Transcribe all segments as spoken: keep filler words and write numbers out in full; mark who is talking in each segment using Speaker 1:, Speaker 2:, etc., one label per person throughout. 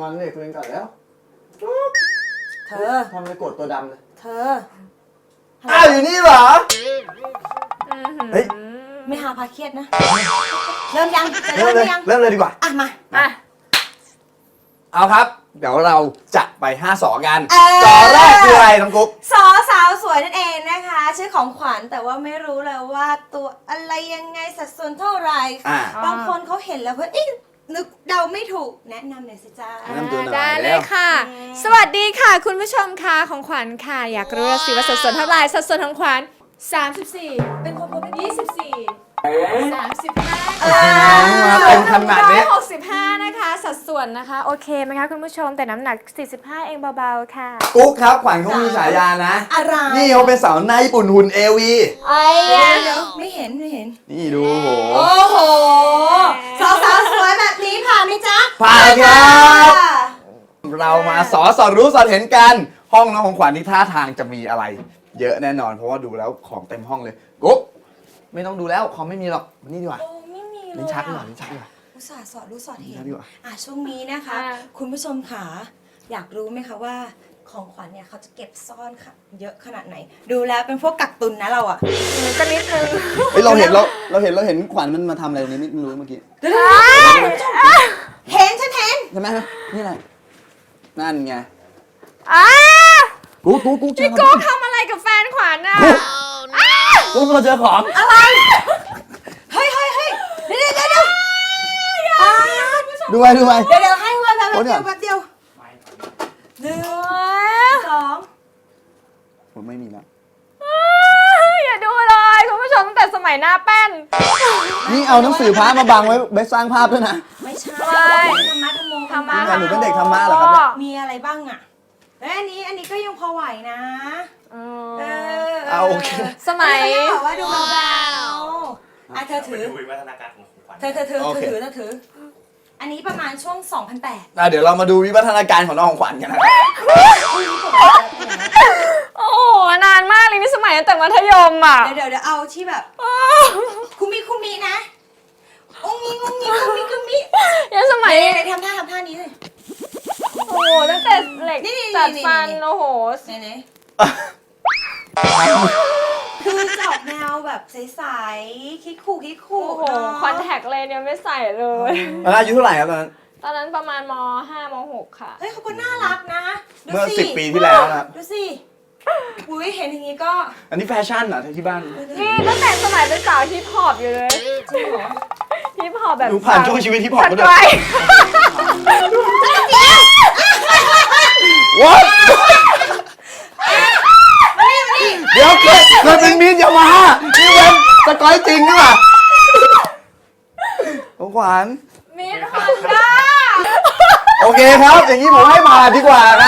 Speaker 1: งอนเด็กตัวเองก่อนแล้ว
Speaker 2: เธอ
Speaker 1: ทำไมกดตัวดำเลย
Speaker 2: เธอ
Speaker 1: อ้าวอยู่นี่เหรอเฮ้ย
Speaker 2: ไม่หาพาเครียดนะเริ่มยังจะ
Speaker 1: เริ่
Speaker 2: เริ่
Speaker 1: ม
Speaker 2: ม
Speaker 1: เลย
Speaker 2: ยัง
Speaker 1: เริ่มเลยดีกว่า
Speaker 2: อ่ะมา
Speaker 3: อ่ะ
Speaker 1: เอาครับเดี๋ยวเราจะไปห้าสอกัน
Speaker 2: เออ
Speaker 1: จอแรกคืออะไรน้องกุ๊ก
Speaker 2: สอสาวสวยนั่นเองนะคะชื่อของขวัญแต่ว่าไม่รู้เลยว่าตัวอะไรยังไงสัดส่วนเท่าไหร่
Speaker 1: อ่า
Speaker 2: บางคนเขาเห็นแล้วเพื่อนนึกเดาไม่ถูกแนะนำหน่อยสิจ้า
Speaker 1: แนะนำตัวหน่อย
Speaker 3: ได้เล
Speaker 1: แล้
Speaker 3: ยว ค่ะ
Speaker 2: อืม
Speaker 3: สวัสดีค่ะ คุณผู้ชมค่ะของขวัญค่ะ อยากรู้สิว่าสัดส่วนเท่าไหร่สัดส่วนของขวัญสามสิบสี่เป็นคนคนยี่สิบสี่สามสิบห้า
Speaker 1: มาเต็มขนาดนี้
Speaker 3: หกสิบห้านะคะสัดส่วนนะคะโอเคไหมคะคุณผู้ชมแต่น้ำหนักสี่สิบห้าเองเบาๆค่ะ
Speaker 1: กุ๊กครับขวัญเขามีฉายานะ
Speaker 2: อะไร
Speaker 1: นี่เขาเป็นสาวในญี่ปุ่นหุ่นเอวี
Speaker 3: ไอ้
Speaker 2: เดี๋ยวเดี๋ยวไม่เห็นไม่เห็น
Speaker 1: นี่ดูโห
Speaker 2: โอ้โหสาวสาวสวยแบบนี้ผ่านไหมจ๊ะ
Speaker 1: ผ่านครับเรามาสอสอดรู้สอดเห็นกันห้องน้องของขวัญที่ท่าทางจะมีอะไร เยอะแน่นอนเพราะว่าดูแล้วของเต็มห้องเลยกุ๊กไม่ต้องดูแล้วคอมไม่มีหรอกมานี่ดีกว่า
Speaker 2: โอ้ไม่มีเลย
Speaker 1: ลิ้นชักดีกว่าลิ้นชักดีกว่า
Speaker 2: อุตส่าห์สอดรู้สอดเห็น
Speaker 1: ดีกว่า
Speaker 2: อ่ะช่วงนี้นะคะ คุณผู้ชมขาอยากรู้ไหมคะว่าของขวัญเนี่ยเขาจะเก็บซ่อนค่ะเยอะขนาดไหน ดูแล้วเป็นพวกกักตุนนะเราอะ
Speaker 3: ก็นิดนึง
Speaker 1: เฮ้ยเราเห็นเราเราเห็นเราเห็นขวัญมันมาทำอะไรตรงนี้ไม่รู้เมื่อกี้
Speaker 2: เห็นฉันเห็น
Speaker 1: ใช่ไหมนี่แหละนั่นไง
Speaker 3: อ้า
Speaker 1: กุ๊กกุ๊กกุ๊กเจอ
Speaker 3: พี่
Speaker 1: ข
Speaker 3: โก้
Speaker 1: อง
Speaker 3: ทำอะไรกับแฟนขวัญน่ะ
Speaker 1: กุ๊กเราเจอของ
Speaker 2: อะไรเฮ้ยเฮ้ยเฮ้ยเดี๋ยวเดี๋ยวเดี๋ยว
Speaker 1: ดูไปดูไป
Speaker 2: เดี๋ยวเดี๋ยวให้เวลาแป๊บ
Speaker 1: โอ้
Speaker 2: เดี
Speaker 1: เนี่ย
Speaker 2: ยวแป๊บเดียวหนึ่งสอง
Speaker 1: ผมไม่มีแล้ว
Speaker 3: อย่าดูเลยคุณผู้ชมตั้งแต่สมัยหน้าแป้น
Speaker 1: นี่เอาหนังสือพระมาบังไว้ไว้สร้างภาพด้วยนะ
Speaker 2: ไม่ใช่
Speaker 3: ไม่
Speaker 2: ธรรมะธรรมโม
Speaker 3: ธรรมะ
Speaker 1: นี่ไงหนูเป็นเด็กธรรมะเหรอครับเนี่ย
Speaker 2: มีอะไรบ้างอะเอ้ยอันนี้อันนี้ก็ยังพอไหวนะ
Speaker 3: เอ
Speaker 2: เอ
Speaker 3: อ
Speaker 2: อ
Speaker 1: เอาโอเค
Speaker 3: สมัย
Speaker 2: เขาบอกว่าดูเบาๆอ่ะเธอถือ
Speaker 4: ดูวิวัฒนาการของของขวัญ
Speaker 2: เธอเธอเธอ
Speaker 1: โอ
Speaker 2: เธอ
Speaker 1: เค
Speaker 2: ถือเธอถือ อันนี้ประมาณช่วง สองพันแปด
Speaker 1: อ่ะเดี๋ยวเรามาดูวิวัฒนาการของน้องของขวัญกันนะครับ
Speaker 3: โอ้โหนานมากเลยนี่สมัยตั้งแต่มัธยมอ่ะ
Speaker 2: เดี๋ยวเดี๋ยวเดี๋ยวเอาที่แบบ คุมิคุมินะองงิงองงิงคุมิคุมิ
Speaker 3: ยังสมัย
Speaker 2: ไหนๆทำท่าทำท่านี้เลย
Speaker 3: โอ้โหตั้งแต่เหล็ก
Speaker 2: นี่ๆๆๆ
Speaker 3: จัดฟันโอ้โห
Speaker 2: ไหนไหนคือจะออกแนวแบบใสๆคิกคู่คิกคู่
Speaker 3: โอ้โห
Speaker 2: เนาะ
Speaker 3: คอนแทคเลนส์ยังไม่ใส่เลย
Speaker 1: ตอนนั้นอายุเท่าไหร่ครับตอนนั้น
Speaker 3: ตอนนั้นประมาณม ห้าม หก ค่ะ
Speaker 2: เฮ้ยเขาก็น่ารักนะดู
Speaker 1: เมื่อสิบปีที่แล้วนะครับ
Speaker 2: ดูสิอุ้ยเห็นอย่างงี้ก็
Speaker 1: อันนี้แฟชั่นเหรอที่บ้าน
Speaker 3: นี่ตั้งแต่สมัยเป็นสาวฮิปฮอปอยู่เลย
Speaker 2: จริงเหรอ
Speaker 3: ฮิปฮอปแบบ
Speaker 1: หนูผ่านช่วงชีวิตที่พอ
Speaker 3: ส
Speaker 1: มา
Speaker 3: ก
Speaker 1: ด้วย
Speaker 3: อย
Speaker 1: วัดเดี๋ยวเคยเคยเป็นมีนยามาฮ่านี่เป็นสกอยจริงนี่หว่าของขวัญ
Speaker 3: มิดฮอนด้า
Speaker 1: โอเคครับ อย่างนี้ผมให้ผ่านดีกว่านะ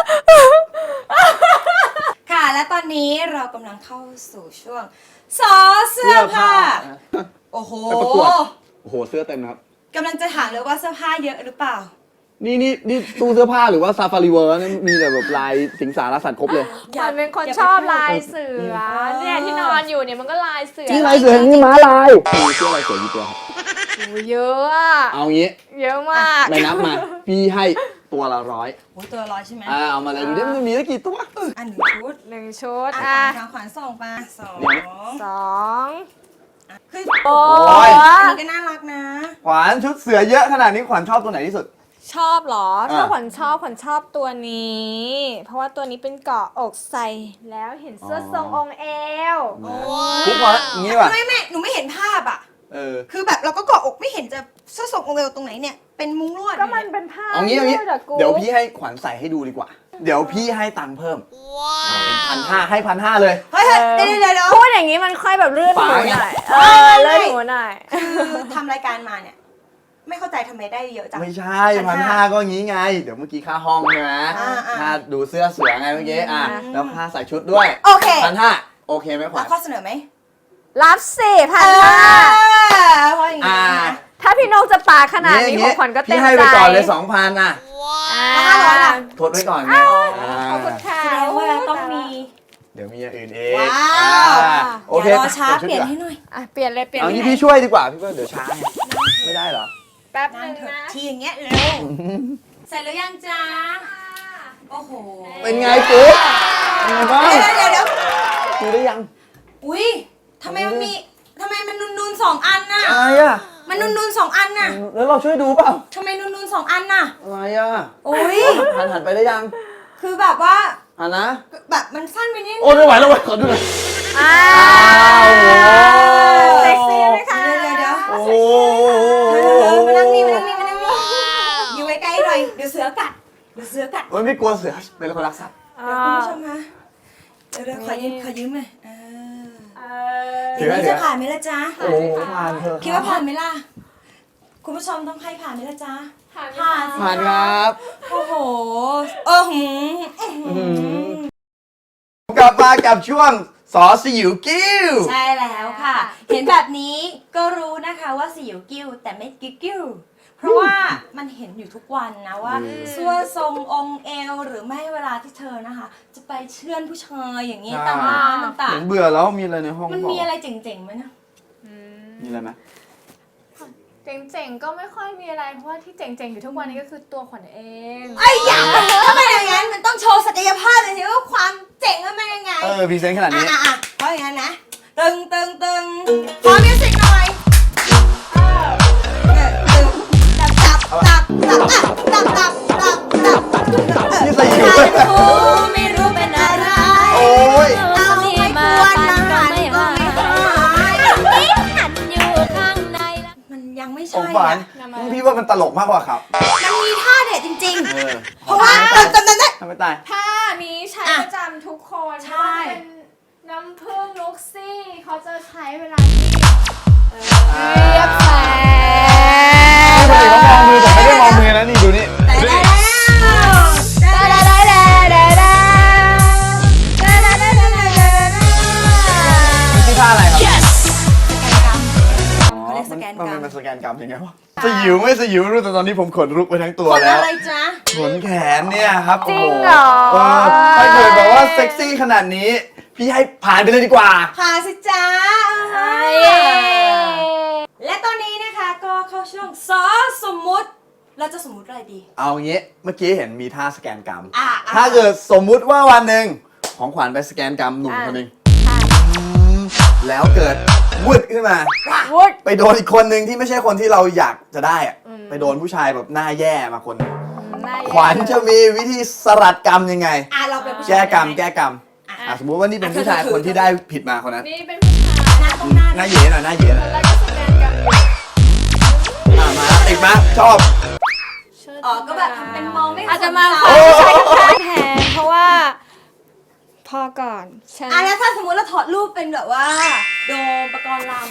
Speaker 2: ค่ะและตอนนี้เรากำลังเข้าสู่ช่วงสอเสื้อผ้า โอ้โห
Speaker 1: ไปประกวด โอ้โหเสื้อเต็มนะครับ
Speaker 2: กำลังจะถามเลยว่าเสื้อผ้าเยอะหรือเปล่า
Speaker 1: นี่นี่นี่ตู้เสื้อผ้าหรือว่าซาฟารีเวิร์นี่มีแต่แบบลายสิงสารสัตว์ครบเลย
Speaker 3: ขวัญเป็นคนชอบลายเสือเนี่ยที่นอนอยู่เนี่ยมันก็ลายเสือ
Speaker 1: นี่ลายเสือนี่ม้าลายมีเสื้อลายเสือกี่ตัวครับ
Speaker 3: โอ้เยอะอะ
Speaker 1: เอางี้
Speaker 3: เยอะมาก
Speaker 1: ไม่นับมา พี่ให้ตัวละร้อย
Speaker 2: โอ้ตัวร้อยใช่ไหม
Speaker 1: อ่าเอามาเลยดูดิมันมีได้กี่ตัว
Speaker 2: อันหนึ่งชุด
Speaker 3: หนึ่งชุด
Speaker 2: อ่ะ
Speaker 3: อ่ะ
Speaker 2: ทางขวานส่งมาสอง
Speaker 3: สอง
Speaker 2: คือ
Speaker 3: โอ้
Speaker 1: ย
Speaker 2: อันนี้ก็น่ารักนะ
Speaker 1: ขวัญชุดเสือเยอะขนาดนี้ขวัญชอบตัวไหนที่สุด
Speaker 3: ชอบเหรอ
Speaker 1: อ่ะ
Speaker 3: ถ้าขวัญชอบขวัญชอบตัวนี้ เพราะว่าตัวนี้เป็นเกาะอกใส่แล้วเห็นเสื้อทรงองค์เอว
Speaker 1: ทุกคนอย่างนี้ป่ะ
Speaker 2: ไม่ไม่หนูไม่เห็นภาพอ่ะ
Speaker 1: เออ
Speaker 2: คือแบบเราก็เกาะอกไม่เห็นจะเสื้อทรงองค์เอวตรงไหนเนี่ย เป็นมุ้งลวด
Speaker 3: ก็มันเป็นผ้า
Speaker 1: เอางี้เอางี้
Speaker 3: ยืดอะกู
Speaker 1: เดี๋ยวพี่ให้ขวัญใส่ให้ดูดีกว่า เดี๋ยวพี่ให้ตังค์เพิ่มเป็นพันห้าให้พันห้าเลย
Speaker 2: เฮ้ยเฮ้ยเดี๋ยวเดี๋ยวเดี๋ยว
Speaker 3: พูดอย่างนี้มันค่อยแบบเลื่อนหูหน่อยเออ
Speaker 2: ไม่ไม่
Speaker 3: เลื่อนหูหน่อย
Speaker 2: คือทำรายการมาเนี่ย ไม่เข้าใจทำไมได้เยอะจัง
Speaker 1: ไม่ใช่พันห้าก็งี้ไง เดี๋ยวเมื่อกี้ค่าห้องใช่ไหม
Speaker 2: อ่าอ่า
Speaker 1: ค่าดูเสื้อเสือไงเมื่อกี้อ่ะ
Speaker 2: อืม
Speaker 1: แล้วค่าใส่ชุดด้วย
Speaker 2: โอเค
Speaker 1: พันห้าโอเคไหมขวั
Speaker 2: แล้
Speaker 1: ญ
Speaker 2: วข้อเสนอไหม
Speaker 3: รับสิพัน
Speaker 2: เอ
Speaker 3: ห้า
Speaker 2: อเพราะอย่างนี้
Speaker 1: อ่า
Speaker 2: นะ
Speaker 3: ถ้าพี่นกจะปาขนาดนี้ของขวัญก็เต็
Speaker 1: พี่
Speaker 3: ม
Speaker 1: ให้
Speaker 3: ใจ
Speaker 1: ไปก่อนเลยสองพันอ่ะ
Speaker 3: อ่า
Speaker 2: ห้าร้อยล่ะ
Speaker 1: ทดไว้ก่อนไง
Speaker 3: ขอบคุณค่ะ
Speaker 2: แสดงว่าต้องมี
Speaker 1: เดี๋ยวมีอย่างอื่นเอง
Speaker 2: ว้าว
Speaker 1: อ่าโอเค
Speaker 2: อย่ารอช้า
Speaker 1: ชุด
Speaker 2: เปลี่ยน
Speaker 1: ดีกว่
Speaker 2: ให้หน่อย
Speaker 3: อ่ะเปลี่ยนเลยเปลี่ยน
Speaker 1: เอา
Speaker 3: เลย
Speaker 1: งี้พี่ช่วยดีกว่าพี่ว่าเดี๋ยวช้าไงไม่ได้เหรอ
Speaker 3: แป๊บ
Speaker 2: นั่
Speaker 3: นึ
Speaker 2: ง
Speaker 3: ง
Speaker 2: เถอะ
Speaker 3: นะ
Speaker 2: ทีอย่างเงี้ยเร็วเสร็จหรือยังจ๊ะโอ้โห
Speaker 1: เป็นไงกุ๊กเป็นไงบ้าง
Speaker 2: เดี๋ยวเดี๋ยวเดี๋ยว
Speaker 1: ดูได้ยัง
Speaker 2: อุ้ยทำไมมันมีทำไมมันนูนนูนๆสองอันน่ะ
Speaker 1: อะไรอ่ะ
Speaker 2: มันนูนนูนๆสองอันน่ะ
Speaker 1: แล้วเราช่วยดูเปล่า
Speaker 2: ทำไมนูนนูนๆสองอันน่ะ
Speaker 1: อะไรอ่ะ
Speaker 2: โอ้ย
Speaker 1: หันหันไปได้ยัง
Speaker 2: คือแบบว่า
Speaker 1: หันนะ
Speaker 2: แบบมันสั้นไปนิดนึง
Speaker 1: โอ้ไม่ไหวแล้วเว้ยขอดูหน่อย
Speaker 3: อ้า
Speaker 1: อ้าวโอ้โห
Speaker 3: เซ็กซี่ไหมคะ
Speaker 2: เดี๋ยวเดี๋ยวเดี๋ยว
Speaker 1: โอ้โห
Speaker 2: เออมานั่งนี่มานั่งนี่มานั่งนี่อยู่ใกล้ๆหน่อยเดี๋ยวเสือกัดเดี๋ยวเสือกัด
Speaker 1: โอ้ยไม่กลัวเสือเป็นคนรักสัตว์
Speaker 2: เดี๋ยวคุณผู้ชมคะเดี๋ยวเดี๋ยวขอยืมขอยืมหน่อยเออ
Speaker 3: เอ
Speaker 2: เดี๋ยวนี้จะผ่านไหมล่ะจ๊ะ
Speaker 1: โอ้โหผ่านเถอะ
Speaker 2: คิดว่าผ่านไหมล่ะ คุณผู้ชมต้องให้ผ่านไหมล่ะจ๊ะ
Speaker 3: ผ่าน
Speaker 2: ผ่านสิ
Speaker 1: ผ่านครับ
Speaker 2: โอ้โหเออหืมอื้อหือก
Speaker 1: ลับมากับช่วงสอสยิวกิ้ว
Speaker 2: ใช่แล้วค่ะ เห็นแบบนี้ก็รู้นะคะว่าสิวกิ้วแต่ไม่กิ๊กกิ้วเพราะว่ามันเห็นอยู่ทุกวันนะว่าซัวทรงองค์เอวหรือไม่เวลาที่เธอนะคะ จะไปเชื่อนผู้ชายอย่างนี้ตามร้านต่าง
Speaker 1: เห็นเบื่อแล้วมีอะไรในห้อง
Speaker 2: ๆมัน
Speaker 1: บก
Speaker 2: มีอะไรเจ๋งๆไหมนะ
Speaker 1: มีอะไรไหม
Speaker 3: เจ๋งๆก็ไม่ค่อยมีอะไรเพราะว่าที่เจ๋งๆอยู่ทุกวันนี้ก็คือตัวขวัญเอง
Speaker 2: ไอ้ยอย่างถ้าเป็นอย่างนั้นมันต้องโชว์ศักยภาพเลยสิว่าความเจ๋งมันเป็นยังไง
Speaker 1: เออพรีเซนต์ขนาด
Speaker 2: อ่ะ
Speaker 1: นี้
Speaker 2: อ่ะอ่ะเพราะอย่างนั้นนะ ตึงตึงตึงขอมิวสิกหน่อยเนี่ยตึงตับตับตับตับตับตับตับตับตับ
Speaker 1: นี่ใส่อยู่
Speaker 2: ใครรู้ไม่รู้เป็นอะไร
Speaker 1: โอ้ย
Speaker 2: เอาไม่ควรมาหันก็ไม่หาย
Speaker 3: หันอยู่ข้างในแล้ว
Speaker 2: มันยังไม่
Speaker 1: ส
Speaker 2: ใช่
Speaker 1: งสาร
Speaker 2: อะ
Speaker 1: พี่ว่ามันตลกมากกว่าครับ
Speaker 2: มันมีท่าเด็ดจริง
Speaker 1: เออ
Speaker 2: ๆ เพราะว่าตอนตอนนั้นน่ะ
Speaker 1: ทำไม่ตาย
Speaker 3: ผ้านี้ใช้
Speaker 2: อ่ะ
Speaker 3: ประจำทุกคน
Speaker 2: ใช่
Speaker 3: ไม่ว่าจะเป็นน้ำผึ้งลุกซี่เขาจะใช้เวลาที่เรียบแผล
Speaker 1: ปกติเขามองมือแต่ไม่ได้มองมือนะนี่ดูนี่
Speaker 2: แต่ได้แล้วได้แล้ว
Speaker 3: ได้ได้ได้ได้
Speaker 1: ชื่อท่าอะไรครับ
Speaker 2: เขาเรียกสแกนกรรม
Speaker 1: มันเป็นสแกนกรรมยังไงวะสยิวไม่สยิวไม่รู้แต่ตอนนี้ผมขนลุกไปทั้งตัว
Speaker 2: คน
Speaker 1: แล้ว
Speaker 2: อะไรจ๊ะ
Speaker 1: ขนแขนเนี่ยครับ
Speaker 3: จริ
Speaker 1: โอ้
Speaker 3: ง
Speaker 1: โห
Speaker 3: เหรอ
Speaker 1: เออถ้าเกิดแบบว่าเซ็กซี่ขนาดนี้ พี่ให้ผ่านไปเลยดีกว่า
Speaker 2: พาสิจ๊ะ
Speaker 3: เย้
Speaker 2: และตอนนี้นะคะก็เข้าช่วงซอสมมุติ เราจะสมมุติอะไรดี
Speaker 1: เอางี้เมื่อกี้เห็นมีท่าสแกนกรรม
Speaker 2: อ่ะ
Speaker 1: ถ้าเกิดสมมุติว่าวันหนึ่งของขวัญไปสแกนกรรมหนุ่มคนหนึ่งอืมแล้วเกิดวุดขึ้นมา
Speaker 3: วุ้ด
Speaker 1: ไปโดนอีกคนหนึ่งที่ไม่ใช่คนที่เราอยากจะได้อะไปโดนผู้ชายแบบหน้าแย่มาคนหนึ่งขวัญจะมีวิธีสลัดกรรมยังไง
Speaker 2: อ่ะเราเป็นผู้ชาย
Speaker 1: แก้กรรม
Speaker 2: ได้ไห
Speaker 1: แก้กรรม
Speaker 2: อ่ะ
Speaker 1: อ่ะสมมุติว่านี่เป็นผู้ชายคนที่ได้ผิดมาคนนั้น
Speaker 3: นี่เป็นผู้ชาย
Speaker 2: หน้าตรงหน้า
Speaker 1: หน้าเหย่หน่อยหน้าเหย่หน่อย
Speaker 3: แล้วก็สแกนกันอยู่
Speaker 1: อ่ะมาอีกมาชอบ
Speaker 2: อ๋อก็แบบทำเป็นมองไม่
Speaker 3: อาจจะมา
Speaker 2: ส
Speaker 3: ข
Speaker 2: น
Speaker 3: อ
Speaker 2: ใจ
Speaker 3: ผู้ชายแทนเพราะว่า พอก่อนฉัน
Speaker 2: อ่ะแล้วถ้าสมมติเราถอดรูปเป็นแบบว่า โดมปกรณ์ลาม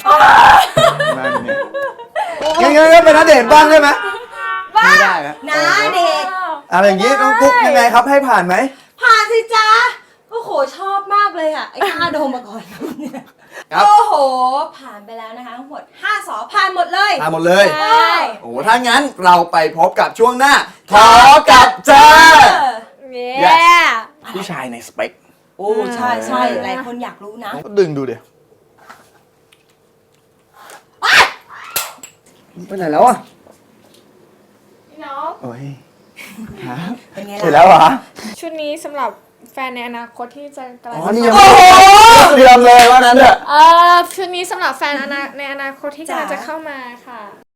Speaker 1: นั่นเนี่ยงั้นงั้นก็เป็นนัดเดทบ้างได้ไหมไม่ได้นะ
Speaker 2: นะเด็ก
Speaker 1: อะไรอย่างงี้น้องกุ๊กยังไงครับให้ผ่านไหม
Speaker 2: ผ่านสิจ๊ะ โอ้โห ชอบมากเลยอ่ะ ไอ้ท่าโดมปกรณ์ลามเนี่ย
Speaker 1: ครับ
Speaker 2: โอ้โห ผ่านไปแล้วนะคะทั้งหมดห้าสอผ่านหมดเลย
Speaker 1: ผ่านหมดเลย
Speaker 2: ใช่
Speaker 1: โอ้โหถ้างั้นเราไปพบกับช่วงหน้าทอกับเจอ
Speaker 3: เย้
Speaker 1: ผู้ชายในสเปค
Speaker 2: โอ้ใช่ใช่หลายคนอยากรู้นะ
Speaker 1: ก็ดึงดูเดี๋ยวไปไหนแล้วอ่ะ
Speaker 3: พี่น้อง
Speaker 1: โอ้ยฮะ
Speaker 2: เป็นไง
Speaker 1: เสร็จ
Speaker 2: ล่ะ
Speaker 1: แล้วเหรอ
Speaker 3: ชุดนี้สำหรับแฟนในอนาคตที่จะกำลั
Speaker 1: อ๋
Speaker 3: ง
Speaker 1: อ
Speaker 3: จะ
Speaker 1: นี่ยัง
Speaker 2: โอ้
Speaker 1: ไม่
Speaker 2: โห
Speaker 1: เตรียมเลยว่านั้นเถอะ
Speaker 3: เออชุดนี้สำหรับแฟนอนาในอนาคตที่กำลัง
Speaker 2: จ้ะ
Speaker 3: จะเข้ามาค่ะ